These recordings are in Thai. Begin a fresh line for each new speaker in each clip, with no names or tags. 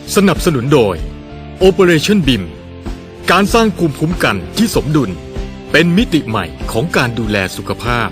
สนับสนุนโดย Operation BIM การสร้างภูมิคุ้มกันที่สมดุลเป็นมิติใหม่ของการดูแลสุขภาพ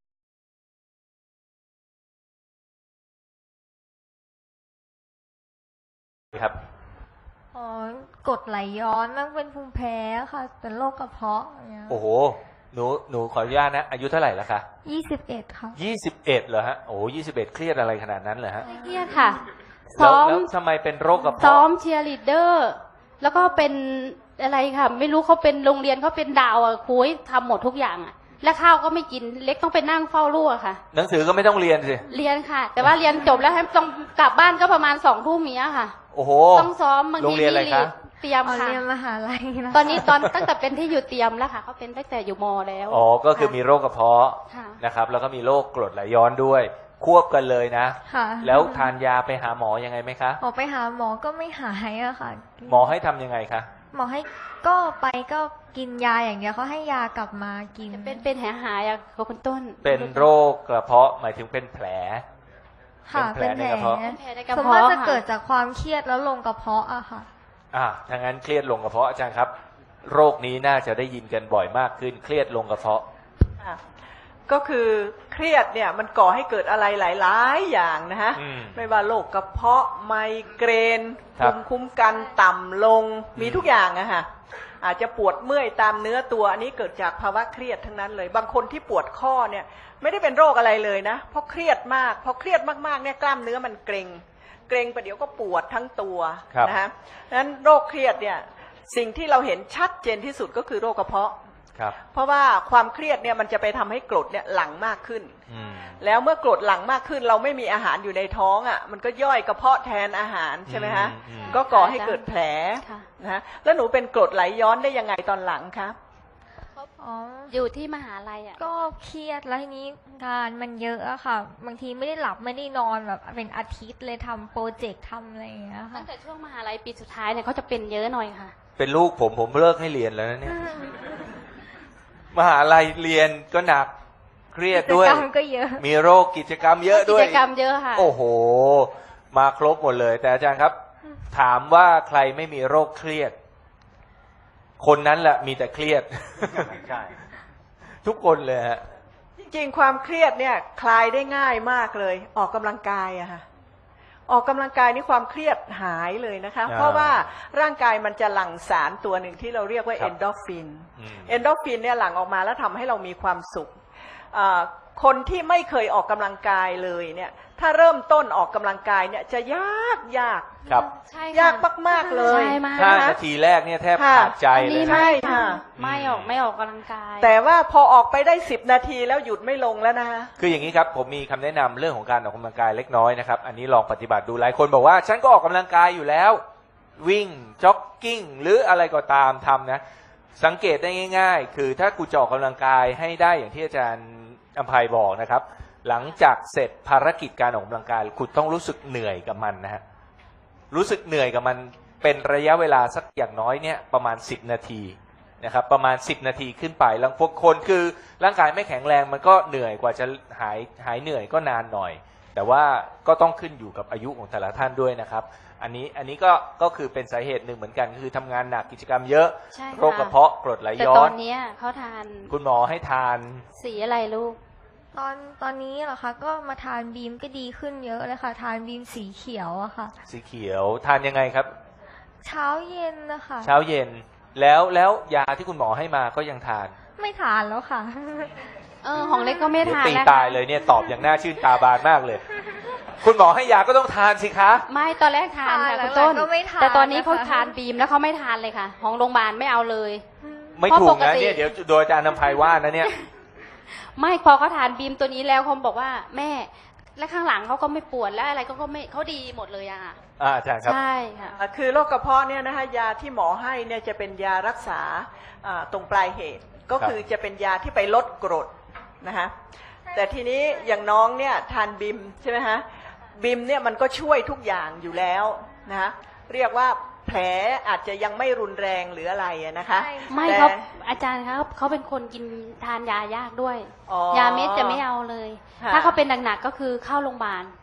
ครับ
กรดไหลย้อนมันเป็นภูมิแพ้ค่ะเป็นโรคกระเพาะอย่างเงี้ย
โอ้โหหนูขออนุญาตนะอายุเท่าไหร่แล้วคะ
21ค่ะ
21เหรอฮะโอ้21เครียดอะไรขนาดนั้นเหรอฮะ
ไม่เครียดค่ะ
แล้วทำไมเป็นโรคกระเพาะ
ซ้อมเชียร์ลีดเดอร์แล้วก็เป็นอะไรค่ะไม่รู้เขาเป็นโรงเรียนเขาเป็นดาวอ่ะครูให้ทำหมดทุกอย่างอ่ะและข้าวก็ไม่กินเล็กต้องไปนั่งเฝ้าลูกค่ะ
หนังสือก็ไม่ต้องเรียนสิ
เรียนค่ะแต่ว่าเรียนจบแล้วให้ต้องกลับบ้านก็ประมาณ20 ทุ่มนี้ค่ะ
โอ้โห
ต้องซ้อมบางที
โรงเรียนอะไรคะ
เตรียมค่ะ
เรียนมหาลัยนะ
ตอนนี้ตั้งแต่เป็นที่อยู่เตรียมแล้วค่ะเขาเป็นตั้งแต่อยู่ม.แล้ว
อ๋อก็คือมีโรคกระเพาะนะครับแล้วก็มีโรคกรดไหลย้อนด้วยควบกันเลยนะแล้วทานยาไปหาหมอยังไงไหมคะ
ไปหาหมอก็ไม่หายอะค่ะ
หมอให้ทำยังไงคะ
หมอให้ก็กินยาอย่างเดียวเขาให้ยากลับมากิน
เป็นหายอะคุณต้น
เป็นโรคกระเพาะหมายถึงเป็นแผล
ค่ะเป็นแผลในกระเพาะสมมติจะเกิดจากความเครียดแล้วลงกระเพาะอะค่ะ
ถ้างั้นเครียดลงกระเพาะอาจารย์ครับโรคนี้น่าจะได้ยินกันบ่อยมากขึ้นเครียดลงกระเพาะ
ก็คือเครียดเนี่ยมันก่อให้เกิดอะไรหลายๆอย่างนะฮะไม่ว่าโรคกระเพาะไมเกรนภูมิคุ้มกันต่ำลงมีทุกอย่างอะฮะอาจจะปวดเมื่อยตามเนื้อตัวอันนี้เกิดจากภาวะเครียดทั้งนั้นเลยบางคนที่ปวดข้อเนี่ยไม่ได้เป็นโรคอะไรเลยนะเพราะเครียดมากพอเครียดมากๆเนี่ยกล้ามเนื้อมันเกร็งประเดี๋ยวก็ปวดทั้งตัวนะฮะนั้นโรคเครียดเนี่ยสิ่งที่เราเห็นชัดเจนที่สุดก็คือโรคกระเพาะเพราะว่าความเครียดเนี่ยมันจะไปทำให้กรดเนี่ยหลั่งมากขึ้นแล้วเมื่อกรดหลั่งมากขึ้นเราไม่มีอาหารอยู่ในท้องอ่ะมันก็ย่อยกระเพาะแทนอาหารใช่ไหมฮะก็ก่อให้เกิดแผลนะฮะแล้วหนูเป็นกรดไหลย้อนได้ยังไงตอนหลังครับ
อยู่ที่มหาลัยอ่ะ
ก็เครียดแล้วทีนี้งานมันเยอะอะค่ะบางทีไม่ได้หลับไม่ได้นอนแบบเป็นอาทิตย์เลยทำโปรเจกต์ทำอะไรอย่างเงี้ยค่ะ
ตั้งแต่ช่วงมหาลัยปีสุดท้ายเนี่ยเขาจะเป็นเยอะหน่อยค่ะ
เป็นลูกผมเลิกให้เรียนแล้วนะเนี่ยมหาลัยเรียนก็หนักเครียดด้วย
กิจกรรมก็เยอะ
มีโรคกิจกรรมเยอะด้วย
กิจกรรมเยอะค่ะ
โอ้โหมาครบหมดเลยแต่อาจารย์ครับถามว่าใครไม่มีโรคเครียดคนนั้นแหละมีแต่เครียดใช่ทุกคนเลยฮะ
จริงๆความเครียดเนี่ยคลายได้ง่ายมากเลยออกกำลังกายอะค่ะออกกำลังกายนี่ความเครียดหายเลยนะคะเพราะว่าร่างกายมันจะหลั่งสารตัวหนึ่งที่เราเรียกว่าเอนโดรฟินเนี่ยหลั่งออกมาแล้วทำให้เรามีความสุขคนที่ไม่เคยออกกำลังกายเลยเนี่ยถ้าเริ่มต้นออกกำลังกายเนี่ยจะยาก
ครับ
ยากมากๆเลย
5 นาทีแรกเนี่ยแทบขาดใจเลย
ใช่ค่ะ
ไม่ออกกำลังกาย
แต่ว่าพอออกไปได้10 นาทีแล้วหยุดไม่ลงแล้วนะคะ
คืออย่างนี้ครับผมมีคำแนะนำเรื่องของการออกกำลังกายเล็กน้อยนะครับอันนี้ลองปฏิบัติดูหลายคนบอกว่าฉันก็ออกกำลังกายอยู่แล้ววิ่งจ็อกกิ้งหรืออะไรก็ตามทำนะสังเกตได้ง่ายๆคือถ้ากูจะออกกำลังกายให้ได้อย่างที่อาจารย์อภัยบอกนะครับหลังจากเสร็จภารกิจการออกกำลังกายคุณต้องรู้สึกเหนื่อยกับมันนะฮะรู้สึกเหนื่อยกับมันเป็นระยะเวลาสักอย่างน้อยเนี่ยประมาณ10 นาทีนะครับประมาณ10 นาทีขึ้นไปแล้วพวกคนคือร่างกายไม่แข็งแรงมันก็เหนื่อยกว่าจะหายเหนื่อยก็นานหน่อยแต่ว่าก็ต้องขึ้นอยู่กับอายุของแต่ละท่านด้วยนะครับอันนี้ก็คือเป็นสาเหตุหนึ่งเหมือนกันคือทำงานหนักกิจกรรมเยอะโรคกระเพาะกรดไหลย้อน
แต่ตอนนี้เขาทาน
คุณหมอให้ทาน
สีอะไรลูก
ตอนนี้เหรอคะก็มาทานบีมก็ดีขึ้นเยอะเลยค่ะทานบีมสีเขียวอะค่ะ
สีเขียวทานยังไงครับ
เช้าเย็นนะคะ
เช้าเย็นแล้วยาที่คุณหมอให้มาก็ยังทาน
ไม่ทานแล้วค่ะ
ของเล็กก็ไม่ทาน
ตีตายเลยเนี่ยตอบอย่างน่าชื่นตาบานมากเลยคุณหมอให้ยาก็ต้องทานสิคะ
ไม่ตอนแรกทานค่ะคุณต้นแต่ตอนนี้เขาทานบีมแล้วเขาไม่ทานเลยค่ะของโรงพยาบาลไม่เอาเลย
ไม่ถูกนะเนี่ยเดี๋ยวโดยอาจารย์นำภัยว่านะเนี่ย
ไม่พอเขาทานบีมตัวนี้แล้วเขาบอกว่าแม่และข้างหลังเขาก็ไม่ปวดและอะไรก็ไม่เขาดีหมดเลยอะค่ะ
อาจารย์ครับ
ใช่ค่ะ
คือโรคกระเพาะเนี่ยนะคะยาที่หมอให้เนี่ยจะเป็นยารักษาตรงปลายเหตุก็คือจะเป็นยาที่ไปลดกรดนะคะแต่ทีนี้อย่างน้องเนี่ยทานบิมใช่ไหมฮะบิมเนี่ยมันก็ช่วยทุกอย่างอยู่แล้วนะคะเรียกว่าแผลอาจจะยังไม่รุนแรงหรืออะไรนะคะ
ไม่ครับอาจารย์ครับเขาเป็นคนกินทานยายากด้วยยาเม็ดจะไม่เอาเลยถ้าเขาเป็นหนักๆก็คือเข้าโรงพยาบาล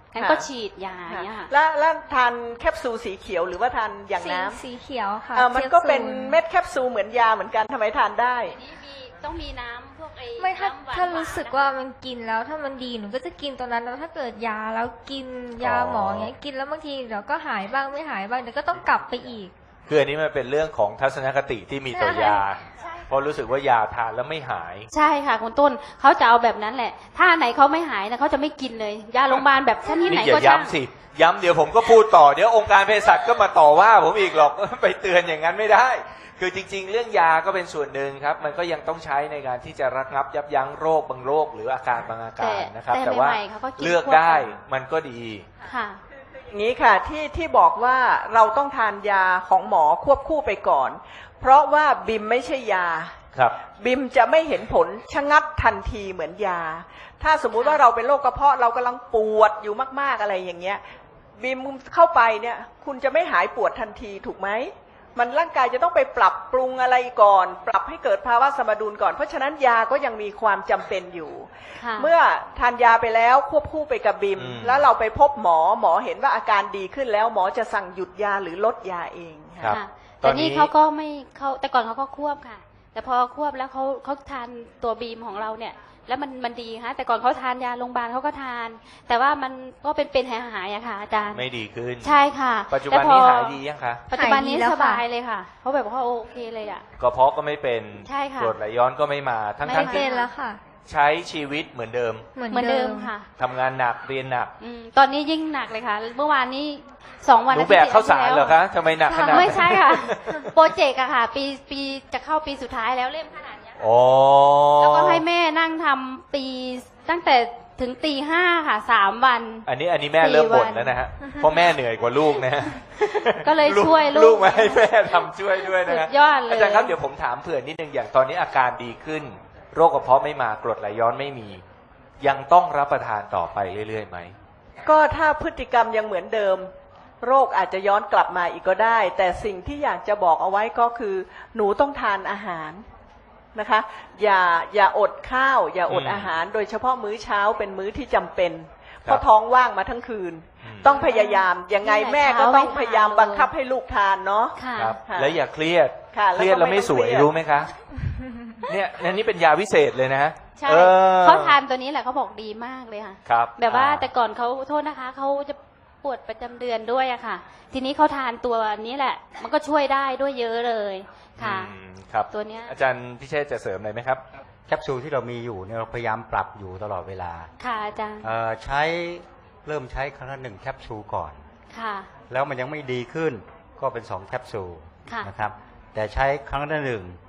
งั้นก็ฉีดยาอย่างเงี้ยค่ะ
แล้วทานแคปซูลสีเขียวหรือว่าทานอย่างน้ำ
สีเขียวค่ะ
มันก็เป็น
แคปซูล
เม็ดแคปซูลเหมือนยาเหมือนกันทำไมทานได้
อันนี้ต้องมีน้ำพวกไอ้
ไม่ถ้า
น้ำหวานๆ
ถ้ารู้สึกว่ามันกินแล้วถ้ามันดีหนูก็จะกินตัวนั้นแล้วถ้าเกิดยาแล้วกินยาหมออย่างเงี้ยกินแล้วบางทีเดี๋ยวก็หายบ้างไม่หายบ้างเดี๋ยวก็ต้องกลับไปอีก
คืออันนี้มันเป็นเรื่องของทัศนคติที่มีต่อยา
ใช่
เพราะรู้สึกว่ายาทานแล้วไม่หาย
ใช่ค่ะคุณต้นเขาจะเอาแบบนั้นแหละ ถ้าไหนเขาไม่หายนะเขาจะไม่กินเลย ยาโรงพยาบาลแบบชนิดไหน
นี่อย่า
ก็ช่าง
ย้ำสิ ย้ำเดี๋ยวผมก็พูดต่อ เดี๋ยวองค์การเภสัชก็มาต่อว่าผมอีกหรอก ไปเตือนอย่างนั้นไม่ได้ คือจริง ๆ เรื่องยาก็เป็นส่วนหนึ่งครับ มันก็ยังต้องใช้ในการที่จะระงับยับยั้งโรคบางโรคหรืออาการบางอาการนะครับ แต่ว่า
ใหม่ๆเขาก็กิน
เลือกได้มันก็ดี
ค่ะ
อย่างนี้ค่ะที่บอกว่าเราต้องทานยาของหมอควบคู่ไปก่อน เพราะว่าบิมไม่ใช่ยา
ครับ
บิมจะไม่เห็นผลชะงัดทันทีเหมือนยา ถ้าสมมุติว่าเราเป็นโรคกระเพาะเรากำลังปวดอยู่มากๆอะไรอย่างเงี้ยบิมเข้าไปเนี่ยคุณจะไม่หายปวดทันทีถูกไหมมันร่างกายจะต้องไปปรับปรุงอะไรก่อน ปรับให้เกิดภาวะสมดุลก่อนเพราะฉะนั้นยาก็ยังมีความจำเป็นอยู่
ค่ะ
เมื่อทานยาไปแล้วควบคู่ไปกับบิม แล้วเราไปพบหมอเห็นว่าอาการดีขึ้นแล้วหมอจะสั่งหยุดยาหรือลดยาเองค่ะ
ครับ
ค่ะ
ตอน
แต่
นี้
นี่เขาก็ไม่เขาแต่ก่อนเขาก็ควบค่ะ แต่พอควบแล้วเขาทานตัวบีมของเราเนี่ย แล้วมันดีค่ะแต่ก่อนเขาทานยาโรงพยาบาลเขาก็ทาน แต่ว่ามันก็เป็นหายๆอะค่ะอาจารย์
ไม่ดีขึ้น
ใช่ค่ะ
ปัจจุบันนี้หายดียังคะ
ปัจจุบันนี้
หายดีแล้ว
ส
ค่ะ
บายเลยค่ะเขาแบบว่าโอเคเลยอะ
กระเพาะก็ไม่เป็น
ใช่ค่ะ
กรดไหลย้อนก็ไม่มา ทั้ง
ไม่
ทั้ง
เป็
ที่
นแล้วค่ะ
ใช้ชีวิตเหมือนเดิม
เหมือน
เหมือนเดิมค่ะ
ทำงานหนักเรียนหนัก
ตอนนี้ยิ่งหนักเลยค่ะ เมื่อวานนี้2 วัน
หนูแบกข้าวสารเหรอคะทำไมหนักขนาดนั้น
ไม่ใช่ค่ะ โปรเจกต์อะค่ะ ปีจะเข้าปีสุดท้ายแล้วเล่มขนาดเนี้ย
อ๋อ
แล้วก็ให้แม่นั่งทำตั้งแต่ถึงตี 5ค่ะ3 วัน
อันนี้แม่เริ่มบ่น
4 วัน
แล้วนะฮะ เพราะแม่เหนื่อยกว่าลูกนะฮะ
ก็เลยช่วยลูก
ลูกมาให้แม่ทำช่วยด้วยนะฮะ
สุดยอดเลย
อาจารย์ครับเดี๋ยวผมถามเผื่อนิดนึงอย่างตอนนี้อาการดีขึ้น โรคกระเพาะไม่มากรดไหลย้อนไม่มี ยังต้องรับประทานต่อไปเรื่อยๆไหม
ก็ถ้าพฤติกรรมยังเหมือนเดิม โรคอาจจะย้อนกลับมาอีกก็ได้ แต่สิ่งที่อยากจะบอกเอาไว้ก็คือ หนูต้องทานอาหารนะคะ อย่าอดข้าว อย่าอด
อืม
อาหาร โดยเฉพาะมื้อเช้าเป็นมื้อที่จำเป็น
ครับ
เพราะท้องว่างมาทั้งคืน
อืม
ต้องพยายามยังไงแม่ก็ต้องพยายามบังคับให้ลูกทานเนาะ
ค่ะ
ครับ
ค่ะ
แล้วอย่าเครียด
ค่ะ
เครียดแล้วไม่สวย
แล้วก็ไม่ต้องเครียด
รู้ไหมคะ เนี่ยอันนี้เป็นยาวิเศษเลยนะ
ใช่
ออ
เขาทานตัวนี้แหละเขาบอกดีมากเลยค่ะ
ครับ
แบบว่าแต่ก่อนเขาโทษนะคะเขาจะปวดประจำเดือนด้วยอะค่ะ ทีนี้เขาทานตัวนี้แหละ มันก็ช่วยได้ด้วยเยอะเลยค่ะ
อืมครับ
ตัวเนี้ย
อาจารย์พิเชษจะเสริมอะไรไหมครับ
แคปซูลที่เรามีอยู่เนี่ยเราพยายามปรับอยู่ตลอดเวลา
ค่ะอาจารย์
เริ่มใช้ครั้งละ1 แคปซูลก่อน
ค่ะ
แล้วมันยังไม่ดีขึ้นก็เป็น2 แคปซูล
ค่ะ
นะครับแต่ใช้ครั้งละ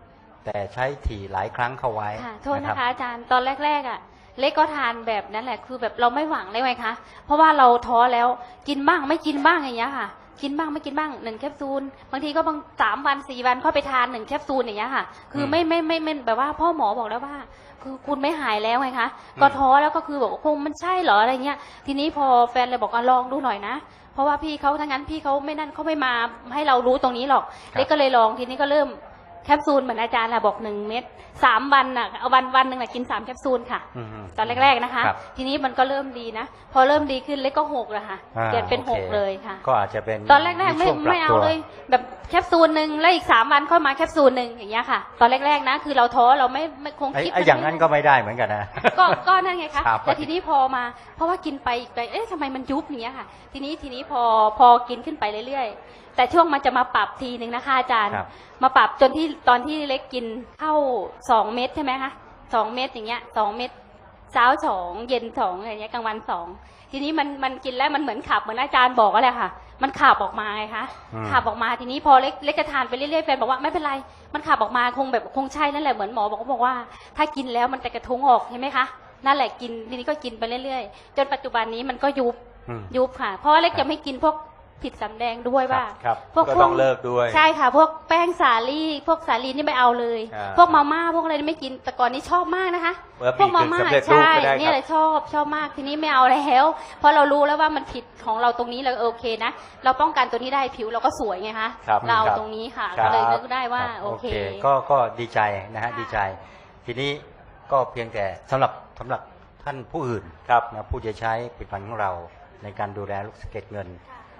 1แต่ใช้ถี่หลายครั้งเข้าไว้
ค่ะโทษ
รั
นะ
บ
คะอาจารย์ตอนแรกๆอ่ะ เล็กก็ทานแบบนั้นแหละคือแบบเราไม่หวังเลยไงคะเพราะว่าเราท้อแล้วกินบ้างไม่กินบ้างอย่างเงี้ยค่ะ กินบ้างไม่กินบ้าง1 แคปซูลบางทีก็บาง3 วัน 4 วันค่อยไปทาน1 แคปซูลอย่างเงี้ยค่ะ คือไม่แบบว่าพ่อหมอบอกแล้วว่า คือคุณไม่หายแล้วไงคะก็ท้อแล้วก็คือบอกว่าคงมันใช่เหรออะไรเงี้ย ทีนี้พอแฟนเลยบอกลองดูหน่อยนะ เพราะว่าพี่เขาทั้งนั้นพี่เขาไม่นั่นเขาไม่มาให้เรารู้ตรงนี้หรอก เล็กก็เลยลองทีนี้ก็เริ่มแคปซูลเหมือนอาจารย์แหละบอก1 เม็ด3 วันน่ะเอาวันหนึ่งน่ะกิน3 แคปซูลค่ะ
อืม
ตอนแรกๆนะคะ
ครับ
ทีนี้มันก็เริ่มดีนะ พอเริ่มดีขึ้นเล็กก็6แล้วค่ะ
อ่า
เกิดเป็น
โอเค
6เลยค่ะ
ก็อาจจะเป็น
ตอนแรกๆไม่
ช่วงปรับ
ไม่เอา
ตัว
เลย แบบแคปซูลหนึ่งแล้วอีก3 วันค่อยมาแคปซูลหนึ่งอย่างเงี้ยค่ะ ตอนแรกๆนะคือเราท้อเราไม่คงคิด
ไอ้อย่างนั้นก็ไม่ได้เหมือนกันนะ
ก็นั่นไงคะ
ครับ
แต่ทีนี้พอมาเพราะว่ากินไปอีกไปเอ๊ะทำไมมันยุบอย่างเงี้ยค่ะ ทีนี้พอกินขึ้นไปเรื่อยๆแต่ช่วงมันจะมาปรับทีหนึ่งนะคะอาจารย์
ครับ
มาปรับจนที่ตอนที่เล็กกินเข้า2 เม็ดใช่ไหมคะ2 เม็ดอย่างเงี้ย2 เม็ดเช้า2เย็น2อะไรเงี้ยกลางวัน2ทีนี้มันกินแล้วมันเหมือนขับเหมือนอาจารย์บอกก็แหละค่ะ มันขับออกมาไงคะ
อืม
ขับออกมาทีนี้พอเล็กจะทานไปเรื่อยๆแฟนบอกว่าไม่เป็นไรมันขับออกมาคงใช่นั่นแหละเหมือนหมอบอกว่า ถ้ากินแล้วมันจะกระทุ้งออกใช่ไหมคะนั่นแหละกินทีนี้ก็กินไปเรื่อยๆจนปัจจุบันนี้มันก็ยุบ
อืม
ยุบค่ะ เพราะว่าเล็กจะไม่กินพวกผิดสำแดงด้วยว่า
ครับ
พวก
ก็ต้องเลิกด้วย
ใช่ค่ะ พวกแป้งสาลี่พวกสาลีนี่ไม่เอาเลย
อ่า
พวกมาม่าพวกอะไรนี่ไม่กินแต่ก่อนนี้ชอบมากนะคะ
เมื่อ
พวกมาม่า
สำเร็จรูป
ใช่
ก็ได้
เนี่ย
ค
เล
รับ
ยชอบมากทีนี้ไม่เอาแล้วเพราะเรารู้แล้วว่ามันผิดของเราตรงนี้เราโอเคนะเราป้องกันตัวนี้ได้ผิวเราก็สวยไงคะ
ครับ
เรา
ครับ
ตรงนี้ค่ะ
ครับ
ก็เลยนึกได้ว่า
ครับ
โอเค
ก็ดีใจนะฮะ
ค่ะ
ดีใจ ทีนี้ก็เพียงแต่สำหรับท่านผู้อื่น
ครับ
นะผู้จะใช้ผลิตภัณฑ์ของเราในการดูแลลูกสะเก็ดเงิน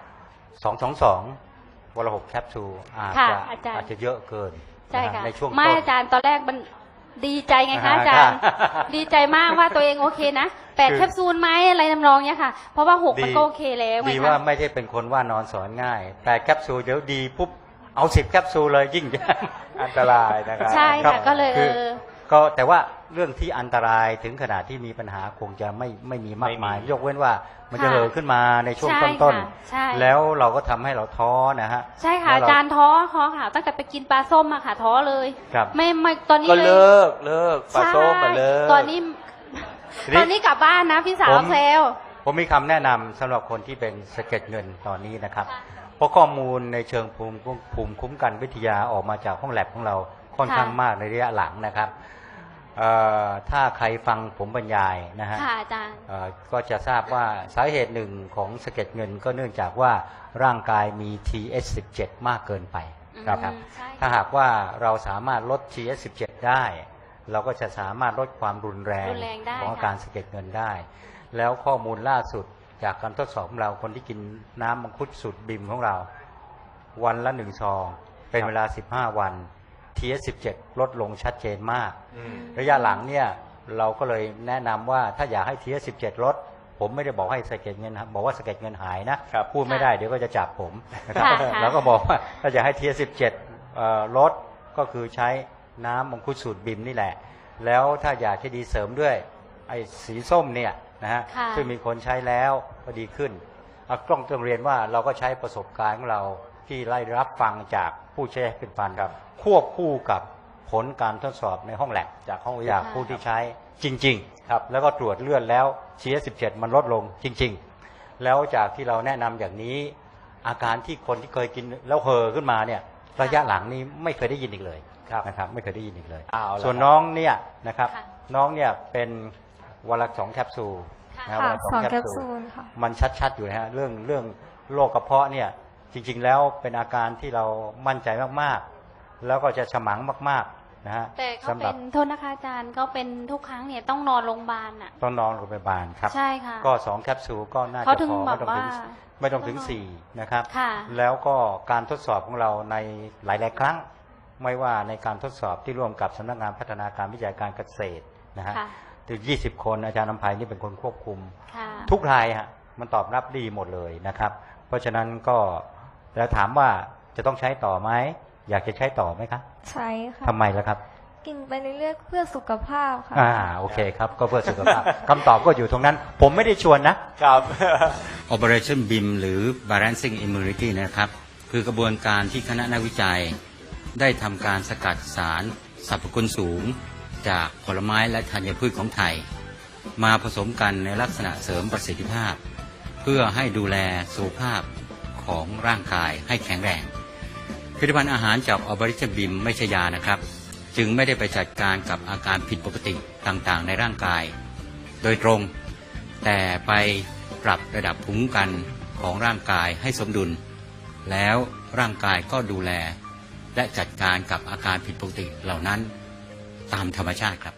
222 วันละ 6 แคปซูล
ค่ะ
อาจจะ
อาจารย์
อาจจะเยอะเกิน
ใช่ค่ะ
ในช่วง
ไม่
ต้น
อาจารย์ตอนแรกมันดีใจไงคะอาจารย์ ดีใจมากว่าตัวเองโอเคนะ8 แคปซูลไหมอะไรทำนองเนี้ยค่ะ เพราะว่า6มันก็โอเคแล้วไง
ดี
คะ
ว่าไม่ใช่เป็นคนว่านอนสอนง่าย แต่แคปซูลเดี๋ยวดีปุ๊บเอา10 แคปซูลเลยยิ่ง
อันตรายนะครับ
ใช่
ครั
ค่ะ
บ
ก็เลย
คือ ก็แต่ว่าเรื่องที่อันตรายถึงขนาดที่มีปัญหาคงจะไม่มีมากมาย
ไม่มี
ยกเว้นว่ามันจะเห่อขึ้นมาในช่วง
ใช่
ต้น
ค่ะใช่
ๆแล้วเราก็ทำให้เราท้อนะฮะ
ใช่ค่ะ
แล้ว
อาจารย์ท้อค่ะตั้งแต่ไปกินปลาส้มอะค่ะท้อเลย
ครับ
ไม่ตอนนี้
ก็
เลย
เลิกปลาส้มมาเลิก
ตอนนี้
ทีนี้
ตอนนี้กลับบ้านนะพี่สาว
ผม
แซว
ผมมีคำแนะนำสำหรับคนที่เป็นสะเก็ดเงินตอนนี้นะครับ เพราะข้อมูลในเชิงภูมิคุ้มกันวิทยาออกมาจากห้องแลบของเราค่อนข้างมากในระยะหลังนะครับถ้าใครฟังผมบรรยายนะฮะ
ค่ะอาจารย์
ก็จะทราบว่าสาเหตุหนึ่งของสะเก็ดเงินก็เนื่องจากว่าร่างกายมี TH17 มากเกินไปนะครับ
ใช่ค่ะ
ถ้าหากว่าเราสามารถลด TH17 ได้ เราก็จะสามารถลดความรุนแรง
รุนแรงได้
ของอา
ค่ะ
การสะเก็ดเงินได้ แล้วข้อมูลล่าสุดจากการทดสอบของเราคนที่กินน้ำมังคุดสูตรบิมของเรา วันละ1 ซอง เป็นเวลา 15 วัน TH17 ลดลงชัดเจนมาก
อืม
ระยะหลังเนี่ยเราก็เลยแนะนำว่าถ้าอยากให้ TH17 ลด ผมไม่ได้บอกให้สะเก็ดเงินบอกว่าสะเก็ดเงินหายนะครับ พูดไม่ได้เดี๋ยวก็จะจับผมนะครับ
ค่ะ
แล้วก็บอกว่าถ้าอยากให้ TH17 ลดก็คือใช้น้ำมังคุดสูตรบิมนี่แหละ แล้วถ้าอยากจะดีเสริมด้วยไอ้สีส้มเนี่ยนะฮะ
ค่ะ
ซึ่งมีคนใช้แล้วก็ดีขึ้นต้องเรียนว่าเราก็ใช้ประสบการณ์ของเราที่ไล่รับฟังจากผู้ใช้เป็นพันครับควบคู่กับผลการทดสอบในห้องแลบจากผู้ที่ใช้จริงๆครับแล้วก็ตรวจเลือดแล้ว TH17 มันลดลงจริงๆแล้วจากที่เราแนะนำอย่างนี้อาการที่คนที่เคยกินแล้วเห่อขึ้นมาเนี่ยระยะหลังนี้ไม่เคยได้ยินอีกเลยนะครับไม่เคยได้ยินอีกเลย
เอาละ
ส่วนน้องเนี่ยนะครับ
ค่ะ
น้องเนี่ยเป็นวันละ2 แคปซูลนะ
ค่ะ
วันละ
2 แคปซูลค่ะ
มันชัดๆอยู่นะฮะเรื่องโรคกระเพาะเนี่ยจริงๆแล้วเป็นอาการที่เรามั่นใจมากๆแล้วก็จะฉมังมากๆนะฮะ
แต่เขา
สำห
เป็
รับ
นโทษนะคะอาจารย์เขาเป็นทุกครั้งเนี่ยต้องนอนโรงพยาบาลอ่ะ
ต้องนอนโรงพยาบาลครับ
ใช่ค่ะ
ก็2 แคปซูลก็น่า
เขา
จะ
ถึง
พอ
แบบว่า
ไม่ต้องถึง4นะครับ
ค่ะ
แล้วก็การทดสอบของเราในหลายๆครั้ง ไม่ว่าในการทดสอบที่ร่วมกับสำนักงานพัฒนาการวิจัยการเกษตรนะฮะ
ค่ะ
ถึง20 คนอาจารย์นำไพนี่เป็นคนควบคุม
ค่ะ
ทุกรายฮะมันตอบรับดีหมดเลยนะครับ เพราะฉะนั้นก็แล้วถามว่าจะต้องใช้ต่อไหมอยากจะใช้ต่อไหมครับ
ใช้ค่ะ
ทำไมล่ะครับ
กินไปเรื่อยๆเพื่อสุขภาพค่ะ
โอเคครับก็เพื่อสุขภาพ คำตอบก็อยู่ตรงนั้น ผมไม่ได้ชวนนะ
ครับ
Operation BIM หรือ Balancing Immunity นะครับ คือกระบวนการที่คณะนักวิจัย ได้ทำการสกัดสารสรรพคุณสูง จากผลไม้และธัญพืชของไทย มาผสมกันในลักษณะเสริมประสิทธิภาพ เพื่อให้ดูแลสุขภาพของร่างกายให้แข็งแรง ผลิตภัณฑ์อาหารจาก Operation BIM ไม่ใช่ยานะครับ จึงไม่ได้ไปจัดการกับอาการผิดปกติต่างๆ ในร่างกาย โดยตรง แต่ไปปรับระดับภูมิคุ้มกันของร่างกายให้สมดุล แล้วร่างกายก็ดูแล และจัดการกับอาการผิดปกติเหล่านั้นตามธรรมชาติครับ